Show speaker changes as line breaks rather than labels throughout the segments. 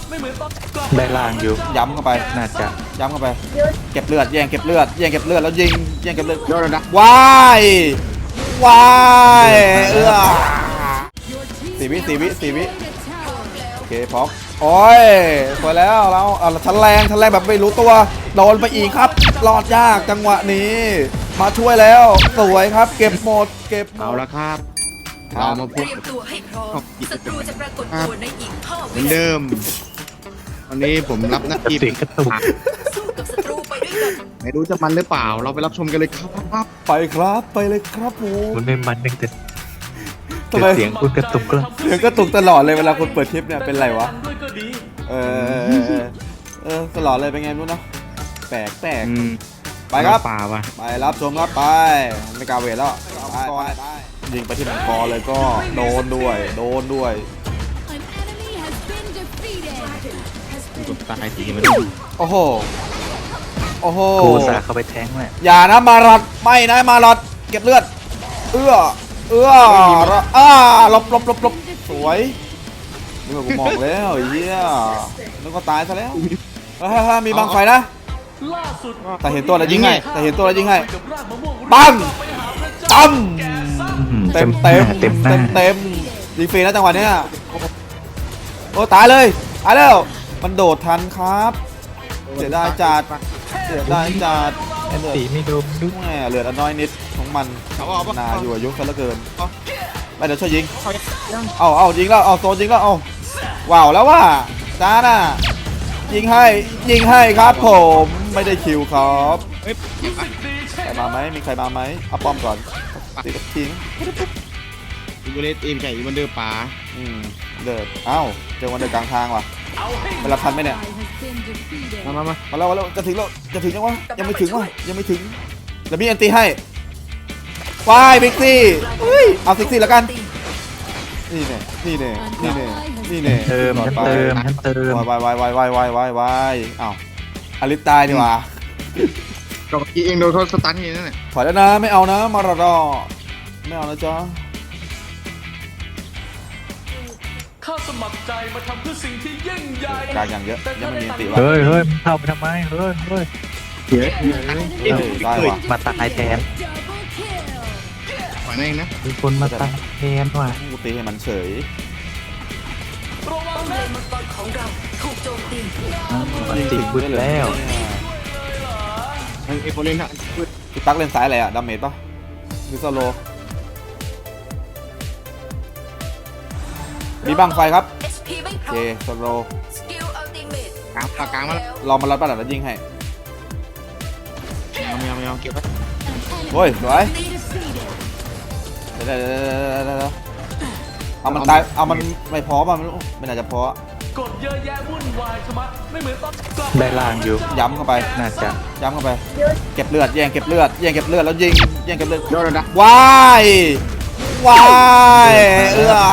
ได้ล่างอยู่
ย้ำเข้าไป
น่าจะ
ย้ำเข้าไปเก็บเลือดแย่งเก็บเลือดแย่งเก็บเลือดแล้วยิงแย่งเก็บเลือด
โดนนะ
วายวายสี่วิโอเคพร้อมโอ้ยสวยแล้วเราชั้นแรงแบบไม่รู้ตัวโดนไปอีกครับรอดยากจังหวะนี้มาช่วยแล้วสวยครับเก็บหมด
เอาละครับเรามาพ
เต
บ
รียมตัวให้พร้อมศัตรูจะปรากฏตัวในอีก5
เหมื
วิ
อนเดิมวันนี้ผมรับหน้าที่
เสียงกระตุก
สู้กับศัตรูไปด้วยกัน
ไม่รู้จะมันหรือเปล่า เราไปรับชมกันเลยครับ
ไปครับไปเลยครับผม
มันไม่มันนึงแต่
ทำไม
เสียงคุณกระตุกแล้ว
เสียงก็ตุกตลอดเลยเวลาคุณเปิดคลิปเนี่ยเป็นไรวะตลอดเลยเป็นไงไม่รู้เนาะแปลกไปครับ
ป่าวะ
ไปรับชมครับไปไม่กล้าเวทแล้วไปยิงไปที่มังกรเลยก็โดนด้วย
An enemy has been defeated.
กดตายทีมัน
โอ้โห
กูสาเข้าไปแทงแหละ
อย่านะมารัดไม่นะมารัดเก็บเลือดเอื้อลบสวยนี่กูมองแล้วไอ้เหี้ยนึกว่าตายซะแล้วมีบังไฟนะแต่เห็นตัวแล้วยิงให้ปังตั้มเต็มยิงฟรีนะจังหวะเนี้ยโอ้ตายเลยตายแล้วมันโดดทันครับเสียดายจัด
สีไม่โดนดุ
แหมเหลือน้อยนิดของมันนาอยู่อายุซะเหลือเกินไปเดี๋ยวช่วยยิงเอายิงแล้วเอาโซนยิงแล้วเอาว้าวแล้วว่าจ้าน่ะยิงให้ครับผมไม่ได้คิวครับ
เฮ้ย
ใครมาไหมมีใครมาไหมเอาป้อมก่อนตีกับทิ้ง
อีบูเลตเอ็มไก่อีวันเดอร์ป่า
เดินเอ้าเจอวันเดินกลางทางว่ะเวลาทันไหมเนี่ย
Ally has been defeated.
มา
มาแล้วจะถึงยังวะยังไม่ถึงแล้วมีอันตีให้วายบิ๊กซี่เอาซิกซี่แล้วกันนี่เน่
เติมฉันเติม
วายอ้าวอลิสตายดีกว่า
ก็อีเองโดนเขาสตันนี่นั่นแหละ
ถอยแล้วนะไม่เอานะมารอไม่เอานะจ๊ะ
ข้าสมัครใจมาทำเพื่อสิ่งที่ยิ่งใหญ่
กลางอย่างเยอะยังไม่มีตีวะ
เฮ้ยมันเข้าไปทำไมเฮ้ย
เดี๋ยว
ได้ว่ะ
มาตายแทน
Double kill.
ปล่อยนั่นเองนะ
มีคนมาตายแทนว่ะ
กูตีให้มันเฉย
ระวัง
เล
นะ
นมังกรของเราถูกโจมตี
มันติดบึ้นแล้ว
ไอ้โฟเรนฮะ
พี่ตั๊กเล่นสายอะไรอะดาเมจปะหรือโซโลมีบังไฟครับ
HP ไม่
โอ
พร้
เค
อม
โซโล
สกิลอัลติเมท
กลางมาแล้ว
ลองมารับประดับแล้วยิงให้
ไม่เอาเก็บไว้
โอ้ยสวย
Defeated.
เดี๋ยวเอามันตายเอามันไม่พอป่ะมันไม่น่าจะพอก
ดเยอะแยะวุ่นวายชะมัดไม่เหมือนตอนกลับ
ได้ล่างอยู่
ย้ำเข้าไป
น่าจะ
ย้ำเข้าไปเก็บเลือดแย่งเก็บเลือดแล้วยิงแย่งเก็บเลือด
โดนนะ
วายเอื้อ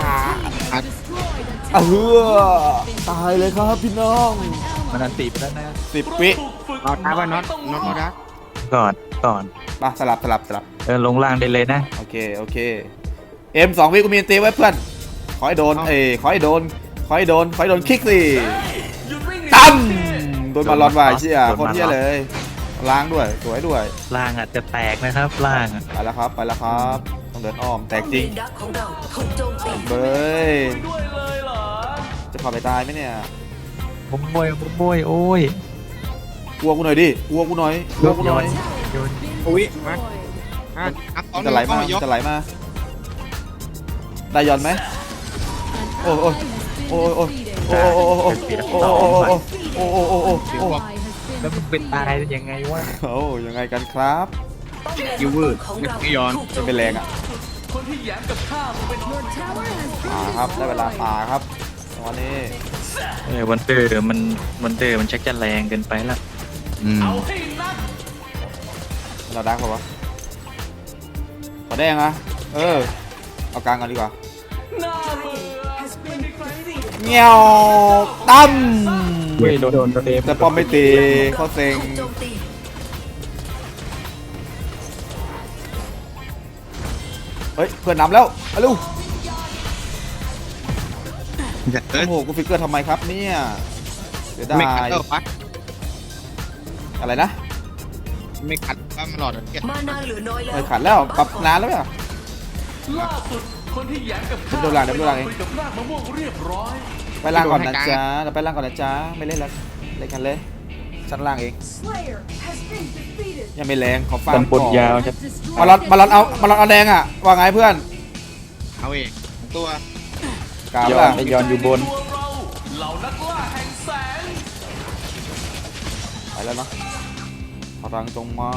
ตายเลยครับพี่น้อง
มันอันตีไปแล้วนะ
10 วิ
ถูกฝึก
เอาท้าว่าน็อตมาดัก
ก่อน
มาสลับ
ลงล่างได้เลยนะ
โอเคเอ็ม2 วิกูมีตีไว้เพื่อนขอให้โดนขอให้โดนคิกสิ
หยุดวิ่ง
ตั้มโดนมาลอดวายเชี่ยคนเชี่ยเลยล้างด้วยสวยด้วย
ล่างอาจจะแตกนะครับล่าง
ไปแล้วครับต้องเดินอ้อมแตกจริง
เลนดักของเราถูกโจมตี
เบ้ย
ด้วยเลยเหรอ
จะพาไปตายไหมเนี่ย
โอ้ย
กลัวกูหน่อยดิกลัวกูหน่อย
โยน
อุ้ยมา
จะไหลมาได้ยอนไหมโอ้
แล้วมันเป็นตายยังไงวะ
ยังไงกันครับ
ยูเวอร์
ของเรา
ไม่ย้อน
มันเป็นแรงอ่ะ
คนที่แย้มกับข้ามันเป็น
Your tower has
ป่า
been
ครับได้เวลาป่าครับวันนี้
วันเตอร์มันชักจะแรงเกินไปละ
เอาให้นัก
เราดักเปล่าวะขอแดงอ่ะเอากลางกันดีกว่า
หน้าเบื่อไม่มีใคร
เงี้ยวตั้ม
โดนเต็ม
แต่ป้อมไม่ตีเขาเซ็ง
ถูกโจมตี
เฮ้ยเพื่อนนำแล้วไปลูก
เออ
โอ้โหกูฟิกเกอร์ทำไมครับเนี่ยเสียดา
ไม่ขัด
ย
เออปะ
อะไรนะ
ไม่ขัดว่ามันหลอดเกีย
มานาเหลือน้อยแล้ว
ไม่ขัดแล้วปรับนานแล้วเนี่ย
ล่าสุดคนที่แย้งกับ
เดี๋ยวดูหลังเดี๋ยวดูหลัง
คุยกับรากมะม่วงเรียบร้อย
ไปล่างก่อนนะจ๊ะเราไปล่างก่อนนะจ๊ะไม่เล่นแล้วเล่นกันเลยชั้นล่างเอง
Slayer has been defeated.
ยังไม่แรงขอฟัง
กันบนยาว
Has
จะ
destroyed
มาลอนเอาแดงอ่ะว่าไงเพื่อน
เอาเองตัว
กล่าว
ย้อ
ล่ะ
นไปย้อนอยู่บน
ตัวเราเหล่านักล่าแห่งแสง
ไปแล้วเนาะพลังตรงมา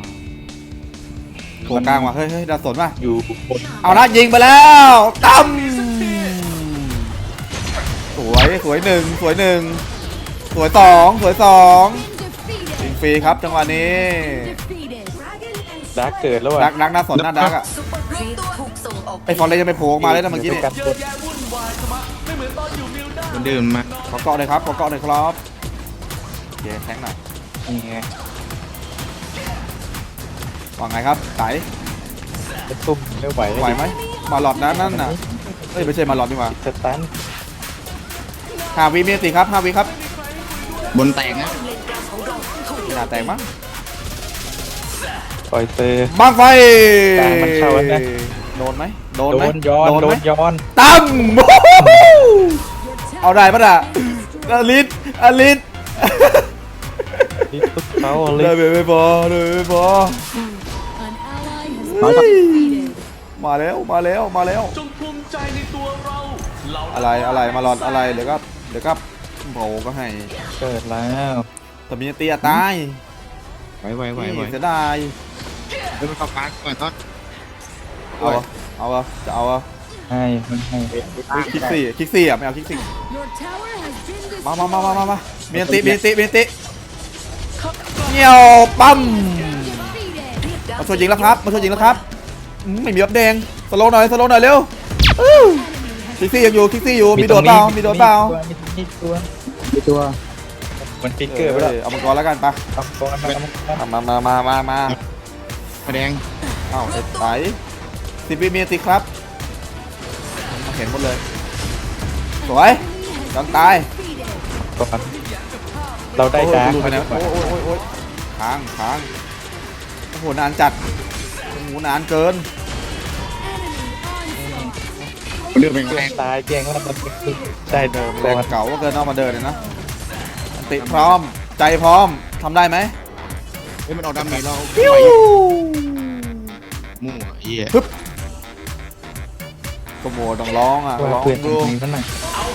ตรงกลางว่ะเฮ้ยดาวสนว่ะ
อยู่บน
เอานะยิงไปแล้วตั้มสวยหนึ่งสวยหนึ่งสวยสองสวยสอง
defeated.
ยิงฟรีครับจังหวะนี้
Defeated.
ดาร์กเกิดแล้ว
ดั
อ่ะ
กน่าสนน่าดักอ่ะ
ซุปเปอร์ครีปถูกส่งออก
ไอ้ฟอนเลยจะไปโผล่ออกมาเลยนะเมื่อกี้นี่
กัน
เย
บ
อะ
น
แยะวุ่นวายสมะไม่เหมือนตอนอยู่มิลด้า
มันดื่มมา
ขอเกาะเลยครับขอเกาะเลยครับโอเคแทงหน่อย
นี่ไง
ว่าไงครับไต่
จะตุ้มไม่ไหว
ไหวไหมมาหลอดนะนั่นน่ะเอ้ยไม่ใช่มาหลอดดีกว่า
สตัน
5 วิเมตรครับ5 วิครับ
บนแตกนะ
เลนกลางของเราถูก
หน้าแตกมั้ง
ปล่อยเตอร์
บ้างไฟ
กลางมันเข้าแล้วนะ
โดนไหมโดน
โด
ไหม
นย้อน
โดน
โด
ไหม
นย้อน
ตั้ม
Your
เอา
tower
ได้ปะน่ะ
has been destroyed.
อลิส
นี่ตุ๊กเขาเล
ได้
ย
ไม่พอได้ไม่พอ
An ally has
เฮ้
been
ย
defeated.
มาแล้วมาแล้วมาแล้ว
จงภูมิใจในตัวเราเหล่านัก
อะไรมาหลอดอะไรเดี๋ยวก็โผล่ก็ให้
เกิดแล้ว
แต่มีเตียตาย
ไหว
นี่เสียดาย
เดี๋ยวไปเข้าปาร์ก่อนต้น
เอาจะเอา
ให้มันให้
คลิกสี่อ่ะไม่เอาคลิกสี่
Your tower has been destroyed.
มามีอันติเงี้ยวปั๊ม
Defeated.
มาช่วยยิงแล้วครับไม่มีอัพแดงสโลว์หน่อยเร็วคลิกซี่ยังอยู่มีโดดเปล่ามีตัว
มันฟิกเกอร์ไปแล้ว
เอามังกรแล้วกันปะ
ทำก้อนทำก้อน
มา
มาแดง
เอ้าไอ้ไต10 วิมีอันติครับมาเห็นหมดเลยสวยยอมตาย
ก่อนเราได้ดาร์ก
โอ้ย
มาแล้ว
โอ้ยค้างโอ้โหนานจัดโอ้โหนานเกิน
มันดื่มเป็น
เพื่
แร
อน
ง
ตายเก่งแล้วมันได้เดิม
แร
ก่
ง
อน
เก่าก็เกินเอามาเดินเลยนะอันติพร้อมใจพร้อมทำได้ไหม
เฮ้ยมันออกดาเมจเรา
ปิ้ว
มั่วเหี้ย
ก็โมต้องร้องอ่ะ
ว่า
ร้อง
เพื่อน
ดู
จริงๆนั่นน่ะ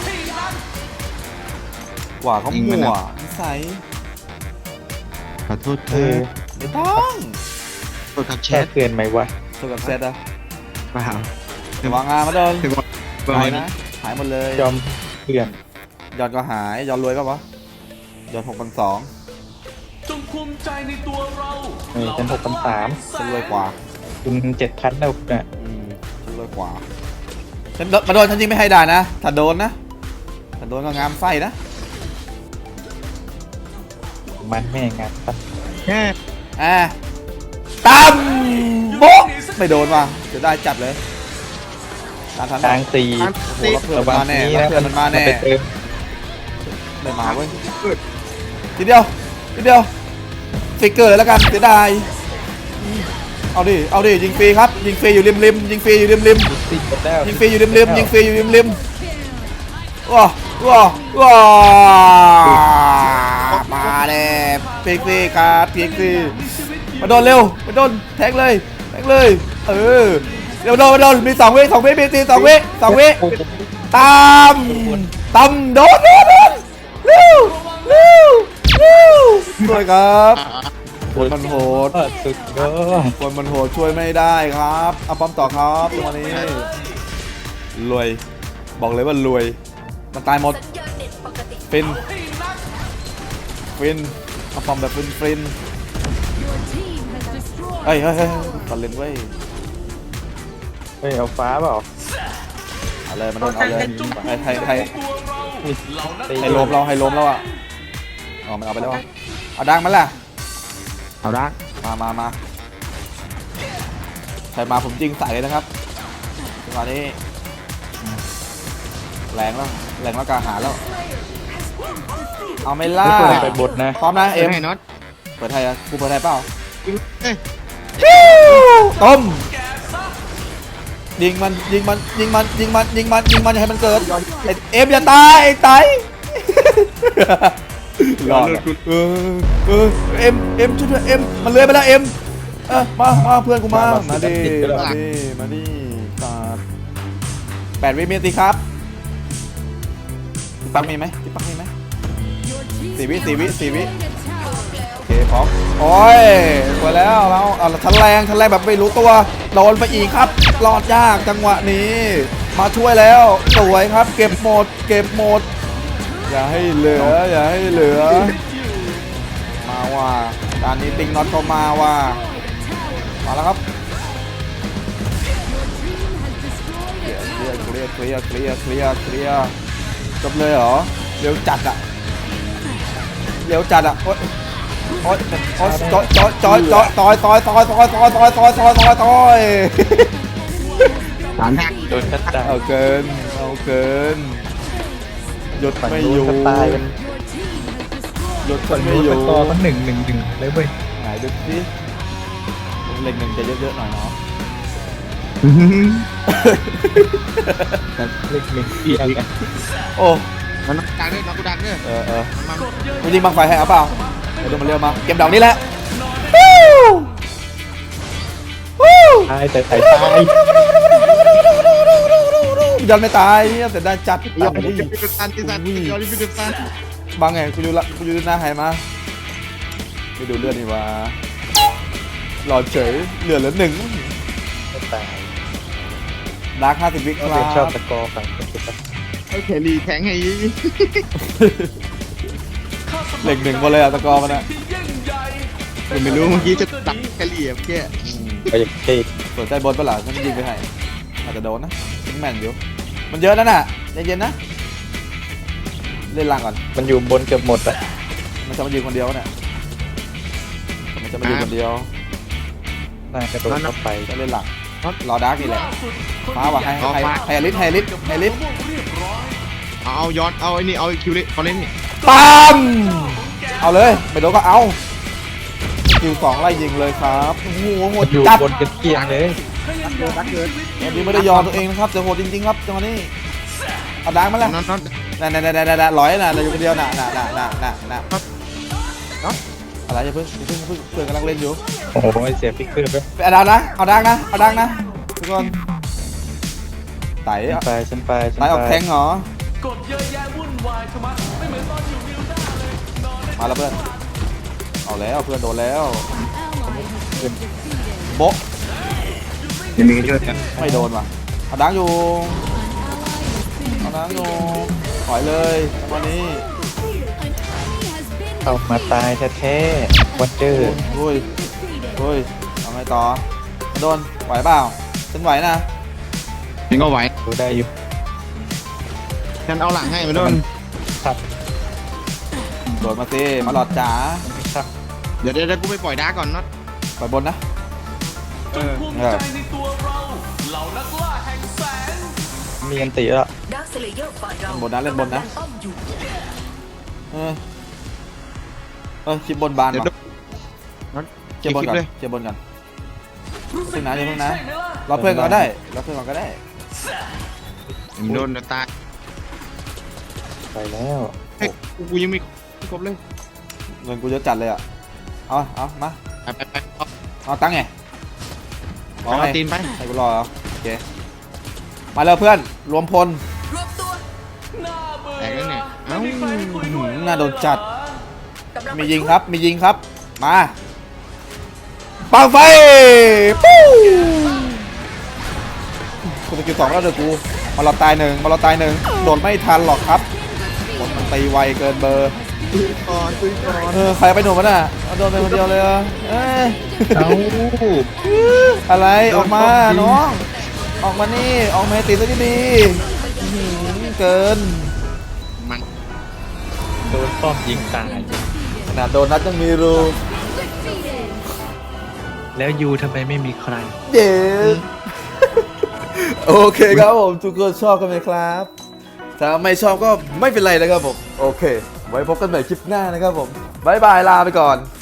ว่าเขามั่วนิสัย
ขอโทษเธ
เอ
อ
อ
ไม่ต้อง
โทษครับแช
แค่
ท
เตือนไหมวะ
สุกับเซตอะ
เปล่า
วางงานมาโดน
ถึงว่า
หายนะหายหมดเลย
ยอมเพื่อน
ยอดก็หายยอดรวยป่ะวะยอด6,200
จงภูมิใจในตัวเรา
ฉัน6,300
ฉันรวยกว่า
คุณ7,000แล้วเนี่ย
ฉันรวยกว่าฉันมาโดนฉันยิงไม่ให้ได้นะถ้าโดนก็งามไส้นะ
มันแม่งานตัด
แค่
ตั้มโบ๊ะไม่โดนว่ะจะได้จัดเลยตามทัน
กลางตี
โอ้โหแล้วเพื่อน
ระวั
มาง แน่
นี้
แล้ว
นะ
เพื่อนมันมาแน่
ไปเติม
ไม่มาเว้ยทีเดียวฟิกเกอร์เลยแล้วกันเสียดายเอาดิยิงฟรีครับยิงฟรีอยู่ริมยิงฟรีอยู่ริม
ติดหมดแล้ว
ยิงฟรีอยู่ริมว้ามาเลยพีกฟรีครับพีกฟรีมาโดนเร็วมาโดนแทงเลยเออเร็วโดนมี2 วิมีตี2 วิตามโดนเร็วช่วยครับคนมันโหด
สุดยอด
คนมันโหดช่วยไม่ได้ครับเอาป้อมต่อครับตรงนี้รวยบอกเลยว่ารวยมันตายหมด
สัญญาณเน็ตปกติ
ฟินเอาป้อมแบบฟิน
Your team has destroyed.
เฮ้ยตอนเล่นเว้ย
เฮ้ยเอาฟ้าเปล่า
เอาเลยมันโดนเอาเลย
จงภูมิใจ
ให้
ในตัวเราเหล่านัก
ให้ล้มเราอ่ะอ๋อมันเอาไปแล้วอ่ะเอาดังมันล่ะ
เอาดัก
มาใครมาผมยิงใส่เลยนะครับจังหวะนี้แรงแล้วแหล่งละกาหาแล้ว เอาไม่ล่า
ไปบทนะ
พร้อมนะเอ็ม
ให้น็อต
เปิดไทยอ่ะกูเปิดไทยเปล่า
เอ้ย
ต้มยิงมันยิงมันยิงมันยิงมันยิงมันยิงมันอย่าให้มันเกิดไอ้เอ็มอย่าตายไอ้ไตรอดอะเอ็มช่วยด้วยเอ็มมันเลื้อยไปแล้วเอ็มมาเพื่อนกูมาดิมาดิตัด8 วินาทีครับพี่ปักมีไหมพี่ปักมีไหม
Your team
4 วิ
has
4 วิ 4 วิ
destroyed a tower.
โอเคพร้อมโอ้ยสวยแล้วเราทันแรงแบบไม่รู้ตัวโดนไปอีกครับรอดยากจังหวะนี้มาช่วยแล้วสวยครับเก็บหมดอย่าให้เหลือมาว่าการนี้ติงน็อตเข้ามาว่ามาแล้วครับ
Your team has destroyed a
เคลียร์จบเลยเหรอเร็วจัดอ่ะโอ๊ยจอยต่อย
สามทาง
โดนชัดดาว
เอาเกินหยุดไม่อยู่
ตายกัน
your team has destroyed
หยุดมันไม่อยู่
ต่อตั้ง1-1เลยเว้ย
ไหนดูสิเล็กหนึ่งจะเยอะๆหน่อยเนาะ
เล็กหนึ่งเอียงกัน
โอ้
มันดังด้วยน็อตกูดังด้วย
มัน
กดเยอะ
กูยิงบังไฟให้เอาเปล่าเดี๋ยวดูมันเร็วมาเก็บดอกนี้แหละ
ตายแต่ตาย
ยันไม่ตายเนี่ยแต่ได้จัด
ยอดพิพิธภัณฑ์ที่สัตว์ยอดพิพิธภัณฑ์
บางไงกูดูหน้าหายมาไปดูเลือดนี่ว่าหลอดเฉยเหลือ1
ตาย
ดาร์ค50 วิค
ก็
รั
เป็นชอบบ ตะกอฝั่ง
ไอ้เคลีแทงให้
เหล็ก1คนเลยอะตะกอมันอะ
ที่ยิ่งใหญ่
ผมไม่รู้เมื่อกี้จะตัดเคลีเมื่อกี้
ไปอย่างเท่
สนใจบนปะล่ะฉันยิงไปให้อาจจะโดนนะยิงแม่นอยู่มันเยอะนั่นน่ะใจเย็นนะเล่นล่างก่อน
มันอยู่บนเกือบหมดอ่ะ
มันจะมายืนคนเดียวเนี่ยมันจะมายืนคนเดียว
น่ากระโดดเข้าไป
จะเล่นหลังรอดาร์กนี่แหละ
ล่าสุดคน
ฟ้าว่ะให้ลิส
เรียบร้อย
เอาย้อนเอาไอ้นี่เอาคิวเล่นเขาเล่นนี่
ปั๊มเอาเลยไม่โดนก็เอาคิว2ไล่ยิงเลยครับโอ้โหโหด
อยู่
จัด
บนกันเกลียงเลย
ดักเกิน
วันนี้ไม่ได้ยอมตัวเองนะครับแต่โหดจริงๆครับจังหวะนี้เอาดาร์กมาแล้ว
น็อต
น่ะร้อยน่ะเราอยู่คนเดียวน่ะอะไรอย่าเพิ่งเพื่อนกำลังเล่นอยู่
โอ้โหเสียฟิกเกอร์ไป
ไปเอาดาร์กนะเอาดาร์กนะทุกคนไต่
ฉันไป
ออกแทงเหรอก
ดเยอะแยะวุ่นวายชะมัดไม่เหมือนตอนอยู่วิวด้าเลยนอนได้
มาแล้วเพื่อนเอาแล้วเพื่อนโดนแล้ว
ally has been defeated.
โบ๊ะ
จะมีช่วยกัน
ไม่โดนว่ะเอาดาร์กอยู่
An ally has been
เอาดาร์กอยู่
defeated.
ถอยเลยวันนี้
An enemy has been
เอามาตายแท้ๆวันเจอ
อุ้ย
defeated.
เอาไงต่อโดนไหวเปล่าฉันไหวนะ
ถึงก็ไหว
ดูได้อยู่
ฉันเอาหลังให้มาโดน
ครับ
โดนมาสิมาหลอดจ๋า
ครับ
เดี๋ยวกูไปปล่อยดาร์กก่อนน็อต
ปล่อยบนนะ
จงภูมิใจในตัวเราเหล่านักล่าแห่งแสง
มีอันติแล้ว
ดาร์คสเลเยอร์ฝ่ายเรา
เล่นบนนะ
ป้อมอยู่
คลิปบนบาน
เดี๋ยว
ก่อน
น็อต
เก็บบนก่อน
เลย
เก็บบนก่อน
รู้สึก
อย่าเพิ่งนะ
ใช่ไหมล่ะ
รอเพื่อนก่อนก็ได้รอเพื่อนก่อนก็ได้
โดนตาย
ไปแล้ว
เฮ้ยกูยังไม่ครบเลย
เงินกูเยอะจัดเลยอ่ะเอามา
ไป
เอาตังค์ไง
เอาตีนไป
ให้กูรอเหรอโอเคมาเลยเพื่อนรวมพล
รวบตัว
น่าเบื่อ
แตกแล้วเนี่ยเอ้า
ไม่มีใครให้คุยด้วย
น่าโดนจัด
กำลัง
มียิงครับมาปังไฟปู้กูสกิล2แล้วเดี๋ยวกูมาเราตายหนึ่งโดดไม่ทันหรอกครับบนมันตีไวเกินเบอร์
ก่อนซื้อก่อน
ใครไปหนุ่มมันอ่ะเอาโดนไปคนเดียวเลยเหรอเอ้ย
เอา
อะไรออกมาน้องออกมานี่ออกมาให้ตีซะดีๆอื้อหือเกิน
มัน
โดนป้อมยิงตาย
ขนาดโดนนัดยังมีรู
Defeated.
แล้วยูทำไมไม่มีใคร
เย้โอเคครับผมทุกคนชอบกันไหมครับถ้าไม่ชอบก็ไม่เป็นไรนะครับผมโอเค ไว้พบกันใหม่คลิปหน้านะครับผมบายบายลาไปก่อน